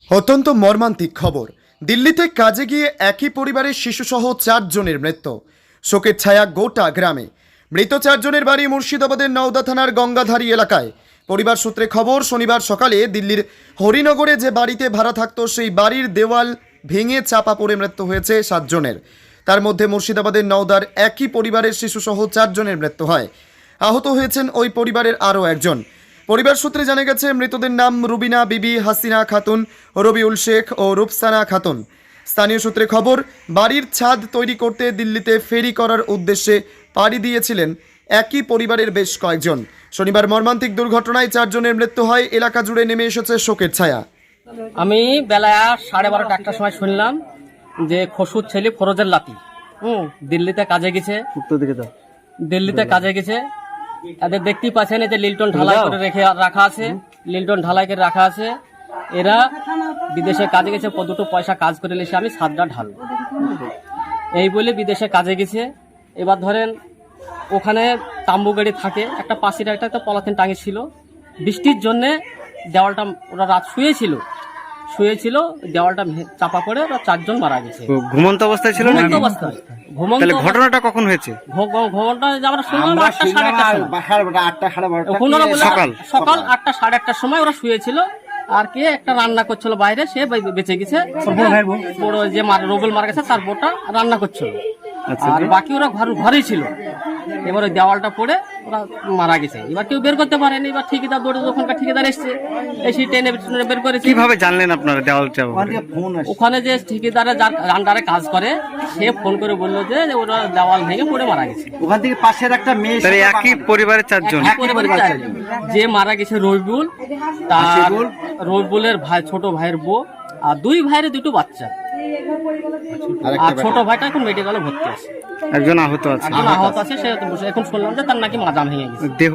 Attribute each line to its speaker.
Speaker 1: অত্যন্ত মর্মান্তিক খবর। দিল্লিতে কাজে গিয়ে একই পরিবারের শিশুসহ 4 জনের মৃত্যু। শোকের ছায়া গোটা গ্রামে। মৃত 4 জনের বাড়ি মুর্শিদাবাদের নওদা থানার গঙ্গাধারী এলাকায়। পরিবার সূত্রে খবর, শনিবার সকালে দিল্লির হরিনগরে যে বাড়িতে ভাড়া থাকতো সেই বাড়ির দেওয়াল ভেঙে চাপা পড়ে মৃত্যু হয়েছে 7 জনের। তার মধ্যে মুর্শিদাবাদের নওদার একই পরিবারের শিশুসহ 4 জনের মৃত্যু হয়। আহত হয়েছেন ওই পরিবারের আরও একজন। পরিবার সূত্রে জানা গেছে, মৃতদের নাম রুবিনা বিবি, হাসিনা খাতুন, রবিউল শেখ ও রূপসানা খাতুন। স্থানীয় সূত্রে খবর, বাড়ির ছাদ তৈরি করতে দিল্লিতে ফেরি করার উদ্দেশ্যে পাড়ি দিয়েছিলেন একই পরিবারের বেশ কয়েকজন। শনিবার মর্মান্তিক দুর্ঘটনায় 4 জনের মৃত্যু হয়। এলাকা জুড়ে নেমে এসেছে শোকের ছায়া।
Speaker 2: আমি বেলা 12:30 একটার সময় শুনলাম যে খসুর ছেলে ফরোজের লাতি দিল্লিতে কাজে গেছে। দিল্লিতে কাজে গেছে। এদের দেখতেই পাচ্ছেন যে লিল্টন ঢালাই করে রাখা আছে, লিল্টন ঢালাই করে রাখা আছে। এরা বিদেশে কাজে গেছে, দুটো পয়সা কাজ করে এসে আমি ছাদটা ঢালবো এই বলে বিদেশে কাজে গেছে। এবার ধরেন ওখানে তাম্বু গাড়ি থাকে, একটা পাশের একটা পলিথিন টাঙিয়ে ছিল। বৃষ্টির জন্যে দেওয়ালটা ওরা রাত শুয়েছিল, দেওয়ালটা চাপা পড়ে ওরা 4 জন মারা গেছে।
Speaker 3: ঘুমন্ত অবস্থায় ছিল নাকি?
Speaker 2: ঘুমন্ত।
Speaker 3: ঘটনাটা কখন হয়েছে?
Speaker 2: ঘটনাটা আমরা শুনলাম 8টা সাড়ে 8টার সময়। সকাল 8টা সাড়ে 8টার সময় ওরা শুয়েছিল। আর কে একটা রান্না করছিল বাইরে, সে বেঁচে গেছে। বড় যে রবিউল মারা গেছে তার বোটা রান্না করছিল, আর বাকি ওরা ঘরেই ছিল। এবার ওই দেওয়ালটা পড়ে ওরা মারা গেছে। এবার কেউ বের করতে পারেনি। এবার ঠিকাদার দৌড়ে, ওখানকার ঠিকাদার এসছে, এসে টেনে বের করেছে।
Speaker 3: কিভাবে জানলেন আপনারা দেওয়ালটা?
Speaker 2: ওখানে যে ঠিকাদারে যার আন্ডারে কাজ করে সে ফোন করে বললো যে ওরা দেওয়াল ভেঙে পড়ে মারা গেছে।
Speaker 4: ওখান থেকে পাশের একটা মেয়ে,
Speaker 3: একই পরিবারের 4 জন।
Speaker 2: যে মারা গেছে রবিউল, তার রবিউলের ভাই, ছোট ভাইয়ের বউ, আর 2 ভাইয়ের 2টো বাচ্চা। আর ছোট ভাইটা এখন মেডিকেলে ভর্তি আছে।
Speaker 3: একজন আহত আছে।
Speaker 2: সে এখন শুনলাম যে তার নাকি মাজা ভেঙে গেছে।